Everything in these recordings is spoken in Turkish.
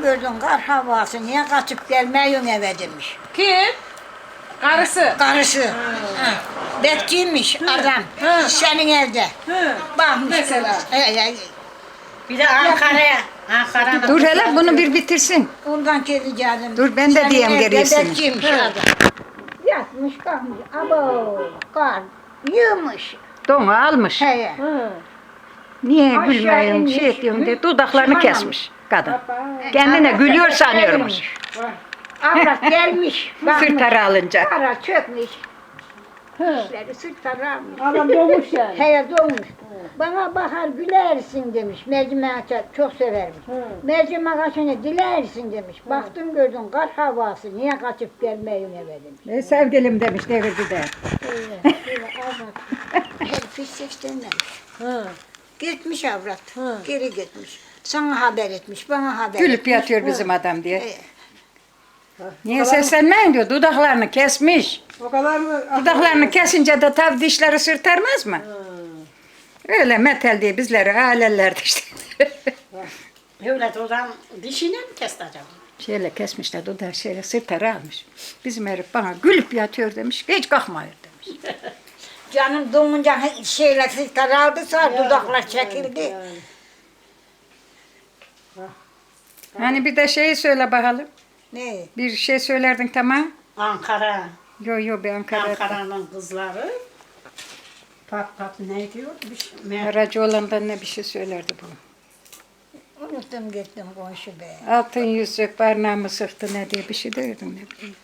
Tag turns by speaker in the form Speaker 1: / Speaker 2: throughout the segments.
Speaker 1: gördün kar havası, niye kaçıp gelmiyorsun eve demiş.
Speaker 2: Kim? Karısı.
Speaker 1: Karısı. Ha. Bekçiymiş adam. Senin evde. Bakmış.
Speaker 2: Mesela.
Speaker 3: Bir de Ankara'da.
Speaker 4: Dur hele bunu bir bitirsin.
Speaker 1: Ondan geleceğim.
Speaker 4: Dur, ben de
Speaker 1: Senin
Speaker 4: diyeyim
Speaker 1: evde
Speaker 4: gerisini.
Speaker 1: Bekçiymiş adam. Yatmış kalkmış. Abo kar yığmış.
Speaker 4: Donu almış.
Speaker 1: He.
Speaker 4: Niye
Speaker 1: Aşağı
Speaker 4: gülmüyorsun,
Speaker 1: inmiş.
Speaker 4: şey ediyorsun diye dudaklarını
Speaker 1: Şımarım.
Speaker 4: kesmiş kadın. Kendine
Speaker 1: Avrat
Speaker 4: gülüyor
Speaker 1: da
Speaker 4: sanıyormuş.
Speaker 1: Avrat gelmiş. bakmış.
Speaker 4: Sırtları alınca.
Speaker 1: Kara çökmüş. İşleri sırtları almış.
Speaker 2: Adam doğmuş yani.
Speaker 1: Heye doğmuş. Bana bakar gülersin demiş. Mercimek açar çok severmiş. Mercimek açınca dilersin demiş. Baktım gördüm kar havası. Niye kaçıp gelmeyin eve demiş.
Speaker 4: Sevgilim demiş devirdi de.
Speaker 1: Öyle avrat. Herif hiç seslenmemiş. Gitmiş avrat. Geri gitmiş. Sana haber etmiş. Bana haber
Speaker 4: Gülüp
Speaker 1: etmiş.
Speaker 4: yatıyor bizim adam diye.
Speaker 1: He.
Speaker 4: Niye seslenmeyin diyor, dudaklarını kesmiş.
Speaker 2: O kadar mı?
Speaker 4: Dudaklarını kesince de tabi dişleri sırtarmaz mı? Öyle metal diye bizleri ailelerdi işte.
Speaker 3: Öyle dudağın dişine mi kesti acaba?
Speaker 4: Şöyle kesmişler dudağı şöyle sırtarı almış. Bizim herif bana gülüp yatıyor demiş, hiç kalkmıyor demiş.
Speaker 1: Canım doğunca şeyler sırtları aldı sonra dudaklar çekildi.
Speaker 4: Hani bir de şeyi söyle bakalım.
Speaker 1: Ne?
Speaker 4: Bir şey söylerdin tamam.
Speaker 3: Ankara.
Speaker 4: Yo bir Ankara'da.
Speaker 3: Ankara'nın kızları. Pat ne diyor? Bir şey.
Speaker 4: Aracı olandan ne bir şey söylerdi bu.
Speaker 1: Unuttum gittim komşu be.
Speaker 4: Altın yüzük parmağımı sıktı ne diye bir şey diyordun ne bileyim.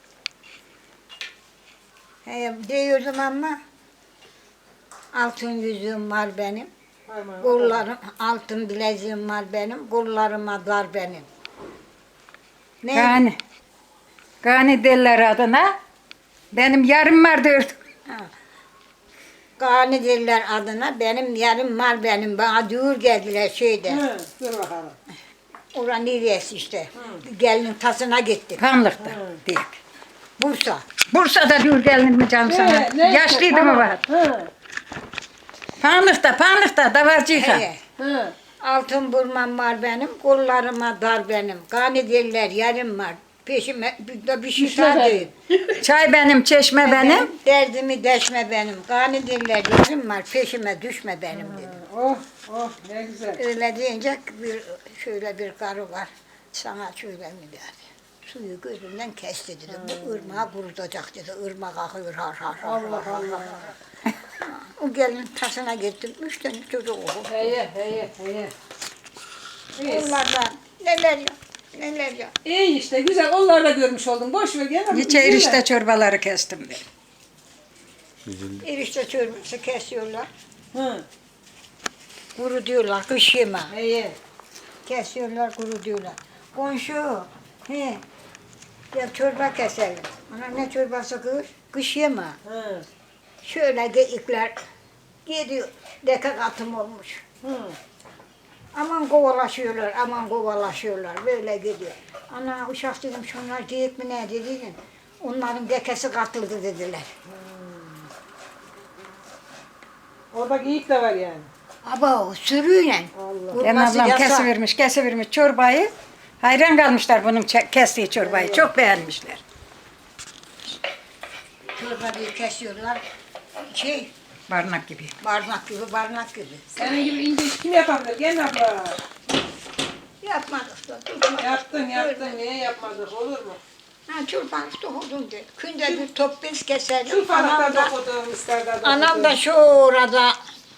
Speaker 1: He, diyordum ama altın yüzüğüm var benim. Kollarım, altın bileziğim var benim. Kollarıma dar benim. Ne?
Speaker 4: Gani derler adına. Benim yarım var diyordum.
Speaker 1: Gani derler adına. Benim yarım var benim. Bana düğür geldiler şeyde.
Speaker 2: Dur bakalım.
Speaker 1: Oranın neresi işte. Gelinin tasına gittik.
Speaker 4: Pamlık'ta diye.
Speaker 1: Bursa.
Speaker 4: Bursa'da dur gelin mi canım sana? Yaşlıydı mı var? Pamlık'ta davarcıyken.
Speaker 1: He. Altın burmam var benim. Kollarıma dar benim. Gani derler yarım var. Peşime bir şey değil.
Speaker 4: Çay benim, çeşme benim.
Speaker 1: Derdimi deşme benim. Gani derler yarım var. Peşime düşme benim dedim.
Speaker 2: Oh ne güzel.
Speaker 1: Öyle deyince şöyle bir karı var. Sana şöyle mi dedi. Suyu gözünden kesti dedi. Bu ırmağı kurutacak dedi. Irmak akıyor har har har.
Speaker 2: Allah Allah.
Speaker 1: O gelin tasına gittim. 3 tane çocuk oldu.
Speaker 2: Heye.
Speaker 1: Onlardan neler ya.
Speaker 2: İyi işte güzel onları da görmüş oldum. Boş ver gene.
Speaker 4: Niçe erişte çorbaları kestim diye.
Speaker 1: Erişte çorbası kesiyorlar.
Speaker 2: Hı.
Speaker 1: Kuru diyorlar. Kış yeme.
Speaker 2: Heye.
Speaker 1: Kesiyorlar kuru diyorlar. Komşu. He. Ya çorba keselim. Ana ne çorbası kız? Kış yeme.
Speaker 2: Hı.
Speaker 1: Şöyle geyikler gidiyor. Deka katım olmuş.
Speaker 2: Hı.
Speaker 1: Aman kovalaşıyorlar. Böyle gidiyor. Ana uşak dedim şunlar geyik mi ne dedim. Onların dekesi katıldı dediler.
Speaker 2: Orada geyik de var yani.
Speaker 1: Aba sürüyle.
Speaker 2: Allah.
Speaker 4: Ben
Speaker 1: Vurması
Speaker 4: ablam
Speaker 1: yasak.
Speaker 4: kesivermiş çorbayı. Hayran kalmışlar bunun kestiği çorbayı. Çok beğenmişler.
Speaker 1: Çorbayı kesiyorlar.
Speaker 4: Barnak gibi.
Speaker 1: Barnak gibi.
Speaker 2: Senin gibi ince iş kim yapabilir? Gel abla.
Speaker 1: Yapmadık da.
Speaker 2: Yaptın. Niye yapmadık? Olur mu?
Speaker 1: Ha çorbanız dokudum de. Günde bir top bez keserim.
Speaker 2: Şu falakta dokudum, isterden dokudum.
Speaker 1: Anam da şu orada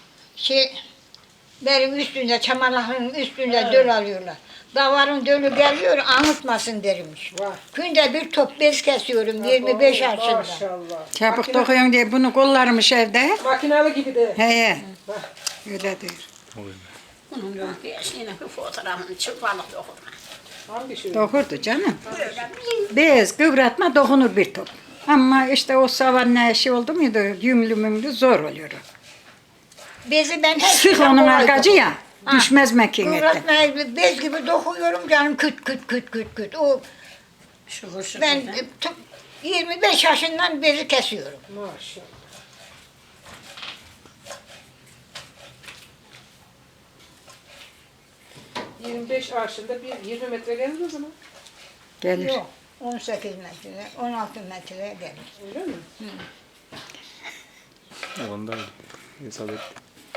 Speaker 1: benim üstünde, çamanların üstünde döl alıyorlar. Davarın dölü geliyor, anıtmasın dermiş.
Speaker 2: Var.
Speaker 1: Günde bir top bez kesiyorum, 25 yaşında.
Speaker 2: Maşallah.
Speaker 4: Çabuk dokuyorsun diye bunu kollarmış evde.
Speaker 2: Makinalı gibi de.
Speaker 4: He. Öyle diyor.
Speaker 3: Bunun yine bir fotoğrafını çıkmalık dokudum.
Speaker 2: Hangi şey?
Speaker 4: Dokurdu canım. Bez kıvratma dokunur bir top. Ama işte o savanna işi oldu muydu yümlü mümlü zor oluyor.
Speaker 1: Bezi ben her
Speaker 4: Sık
Speaker 1: şeyden
Speaker 4: onun
Speaker 1: kolaydım.
Speaker 4: arkacı ya.
Speaker 1: Ha.
Speaker 4: Düşmez makinete.
Speaker 1: Kıvratmayı bez gibi dokuyorum canım küt küt. O
Speaker 3: Şukur
Speaker 1: ben 25 yaşından bezi kesiyorum.
Speaker 2: Maşallah. 25 arşında bir 20 metre gelir o zaman.
Speaker 4: Gelir.
Speaker 1: Yok. 18 metre, 16 metre gelir.
Speaker 2: Öyle mi?
Speaker 5: Ondan hesap et.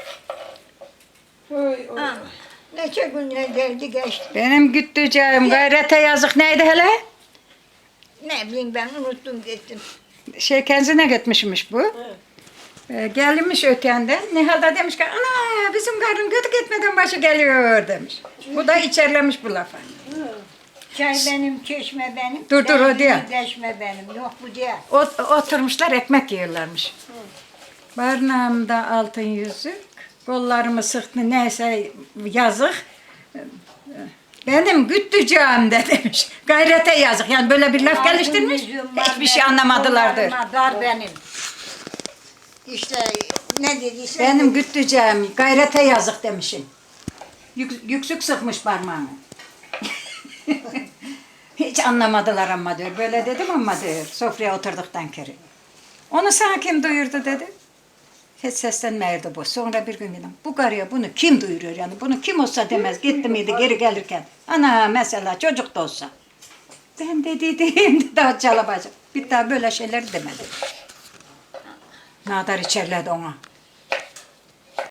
Speaker 2: Oy, oy.
Speaker 1: Ha, neçe günler geldi geçti.
Speaker 4: Benim güttüceğim gayrete yazık neydi hele?
Speaker 1: Ne bileyim ben unuttum gittim.
Speaker 4: Şey kendine gitmişmiş bu. Gelmiş ötenden. Nihal da demiş ki ana bizim karın kötü gitmeden başı geliyor demiş. Bu da içerlemiş bu lafa.
Speaker 1: Çay benim, çeşme benim.
Speaker 4: Dur, o diye.
Speaker 1: Çeşme benim. Yok bu diye.
Speaker 4: Oturmuşlar ekmek yiyorlarmış. Barnağımda altın yüzük, kollarımı sıktı neyse yazık. Benim güttüceğim de demiş. Gayrete yazık. Yani böyle bir laf geliştirmiş. Hiçbir şey anlamadılardır.
Speaker 1: Dar benim. İşte ne dediyse.
Speaker 4: Benim güttüceğim gayrete yazık demişim. Yüksük sıkmış parmağını. Hiç anlamadılar ama diyor. Böyle dedim ama diyor. Sofraya oturduktan kere. Onu sana kim duyurdu dedi. Hiç seslenmeyirdi bu. Sonra bir gün dedim. Bu karıya bunu kim duyuruyor yani? Bunu kim olsa demez. Gitti miydi geri gelirken. Ana mesela çocuk da olsa. Ben de dedim daha çalabacak. Bir daha böyle şeyler demedi. Nadar içerledi ona.